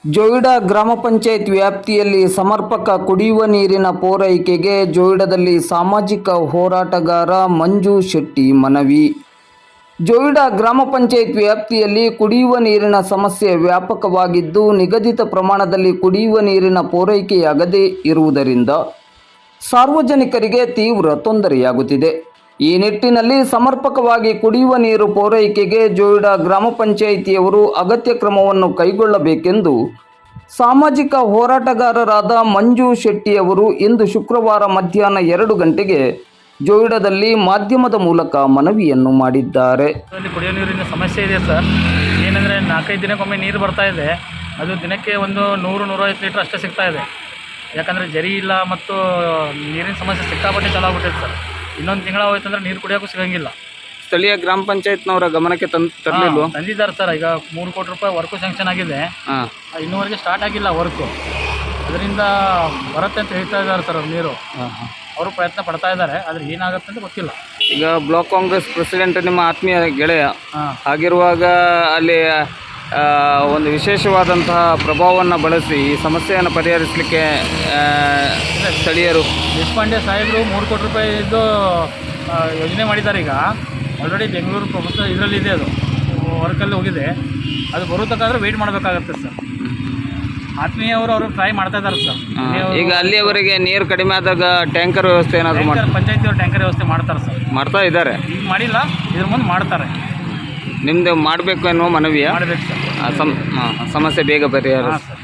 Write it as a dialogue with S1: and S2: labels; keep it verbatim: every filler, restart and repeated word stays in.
S1: ಜೋಯಿಡಾ ಗ್ರಾಮ ಪಂಚಾಯತ್ ವ್ಯಾಪ್ತಿಯಲ್ಲಿ ಸಮರ್ಪಕ ಕುಡಿಯುವ ನೀರಿನ ಪೂರೈಕೆಗೆ ಜೋಯಿಡಾದಲ್ಲಿ ಸಾಮಾಜಿಕ ಹೋರಾಟಗಾರ ಮಂಜು ಶೆಟ್ಟಿ ಮನವಿ. ಜೋಯಿಡಾ ಗ್ರಾಮ ಪಂಚಾಯತ್ ವ್ಯಾಪ್ತಿಯಲ್ಲಿ ಕುಡಿಯುವ ನೀರಿನ ಸಮಸ್ಯೆ ವ್ಯಾಪಕವಾಗಿದ್ದು, ನಿಗದಿತ ಪ್ರಮಾಣದಲ್ಲಿ ಕುಡಿಯುವ ನೀರಿನ ಪೂರೈಕೆಯಾಗದೇ ಇರುವುದರಿಂದ ಸಾರ್ವಜನಿಕರಿಗೆ ತೀವ್ರ ತೊಂದರೆಯಾಗುತ್ತಿದೆ. ಈ ನಿಟ್ಟಿನಲ್ಲಿ ಸಮರ್ಪಕವಾಗಿ ಕುಡಿಯುವ ನೀರು ಪೂರೈಕೆಗೆ ಜೋಯಿಡಾ ಗ್ರಾಮ ಪಂಚಾಯಿತಿಯವರು ಅಗತ್ಯ ಕ್ರಮವನ್ನು ಕೈಗೊಳ್ಳಬೇಕೆಂದು ಸಾಮಾಜಿಕ ಹೋರಾಟಗಾರರಾದ ಮಂಜು ಶೆಟ್ಟಿಯವರು ಇಂದು ಶುಕ್ರವಾರ ಮಧ್ಯಾಹ್ನ ಎರಡು ಗಂಟೆಗೆ ಜೋಯಿಡಾದಲ್ಲಿ ಮಾಧ್ಯಮದ ಮೂಲಕ ಮನವಿಯನ್ನು ಮಾಡಿದ್ದಾರೆ.
S2: ಕುಡಿಯೋ ನೀರಿನ ಸಮಸ್ಯೆ ಇದೆ ಸರ್. ಏನಂದರೆ ನಾಲ್ಕೈದು ದಿನಕ್ಕೊಮ್ಮೆ ನೀರು ಬರ್ತಾ ಇದೆ. ಅದು ದಿನಕ್ಕೆ ಒಂದು ನೂರು ನೂರೈವತ್ತು ಲೀಟ್ರ್ ಅಷ್ಟೇ ಸಿಗ್ತಾ ಇದೆ. ಯಾಕಂದರೆ ಜರಿ ಇಲ್ಲ ಮತ್ತು ನೀರಿನ ಸಮಸ್ಯೆ ಸಿಕ್ಕಾಪಟ್ಟೆ ಚಾಲು ಆಗ್ಬಿಟ್ಟಿದೆ ಸರ್. ಇನ್ನೊಂದು ತಿಂಗಳ ಹೋಯ್ತು ಅಂದರೆ ನೀರು ಕುಡಿಯೋಕ್ಕೂ ಸಿಗೋಂಗಿಲ್ಲ.
S1: ಸ್ಥಳೀಯ ಗ್ರಾಮ ಪಂಚಾಯತ್ನವರ ಗಮನಕ್ಕೆ ತಂದು ತರಲಿಲ್ಲ
S2: ತಂದಿದ್ದಾರೆ ಸರ್. ಈಗ ಮೂರು ಕೋಟಿ ರೂಪಾಯಿ ವರ್ಕು ಸ್ಯಾಂಕ್ಷನ್ ಆಗಿದೆ. ಇನ್ನೂವರೆಗೆ ಸ್ಟಾರ್ಟ್ ಆಗಿಲ್ಲ ವರ್ಕು. ಅದರಿಂದ ಬರುತ್ತೆ ಅಂತ ಹೇಳ್ತಾ ಇದ್ದಾರೆ ಸರ್ ಅವ್ರು ನೀರು. ಅವರು ಪ್ರಯತ್ನ ಪಡ್ತಾ ಇದ್ದಾರೆ. ಆದರೆ ಏನಾಗುತ್ತೆ ಅಂತ ಗೊತ್ತಿಲ್ಲ.
S1: ಈಗ ಬ್ಲಾಕ್ ಕಾಂಗ್ರೆಸ್ ಪ್ರೆಸಿಡೆಂಟ್ ನಿಮ್ಮ ಆತ್ಮೀಯ ಗೆಳೆಯ ಆಗಿರುವಾಗ ಅಲ್ಲಿ ಒಂದು ವಿಶೇಷವಾದಂತಹ ಪ್ರಭಾವವನ್ನು ಬಳಸಿ ಈ ಸಮಸ್ಯೆಯನ್ನು ಪರಿಹರಿಸಲಿಕ್ಕೆ ಸ್ಥಳೀಯರು
S2: ದೇಶಪಾಂಡೆ ಸಾಹೇಬರು ಮೂರು ಕೋಟಿ ರೂಪಾಯಿ ಇದ್ದು ಯೋಜನೆ ಮಾಡಿದ್ದಾರೆ. ಈಗ ಆಲ್ರೆಡಿ ಬೆಂಗಳೂರು ಪ್ರೊಫೆಸರ್ ಇದರಲ್ಲಿ ಇದೆ, ಅದು ವರ್ಕಲ್ಲಿ ಹೋಗಿದೆ. ಅದು ಬರೋದಕ್ಕಾದ್ರೆ ವೆಯ್ಟ್ ಮಾಡಬೇಕಾಗತ್ತೆ ಸರ್. ಆತ್ಮೀಯವರು ಅವರು ಟ್ರೈ ಮಾಡ್ತಾ ಇದ್ದಾರೆ ಸರ್.
S1: ಈಗ ಅಲ್ಲಿಯವರೆಗೆ ನೀರು ಕಡಿಮೆ ಆದಾಗ ಟ್ಯಾಂಕರ್ ವ್ಯವಸ್ಥೆ ಏನಾದರೂ ಮಾಡ್ತಾರೆ?
S2: ಪಂಚಾಯತಿಯವರು ಟ್ಯಾಂಕರ್ ವ್ಯವಸ್ಥೆ ಮಾಡ್ತಾರೆ ಸರ್.
S1: ಮಾಡ್ತಾ ಇದ್ದಾರೆ.
S2: ಈಗ ಮಾಡಿಲ್ಲ, ಇದ್ರ ಮುಂದೆ ಮಾಡ್ತಾರೆ.
S1: ನಿಮ್ಮದು ಮಾಡಬೇಕು ಎನ್ನುವ ಮನವಿಯ
S2: ಮಾಡಬೇಕು ಸರ್.
S1: ಸಮಸ್ಯೆ ಬೇಗ ಪರಿಹಾರ.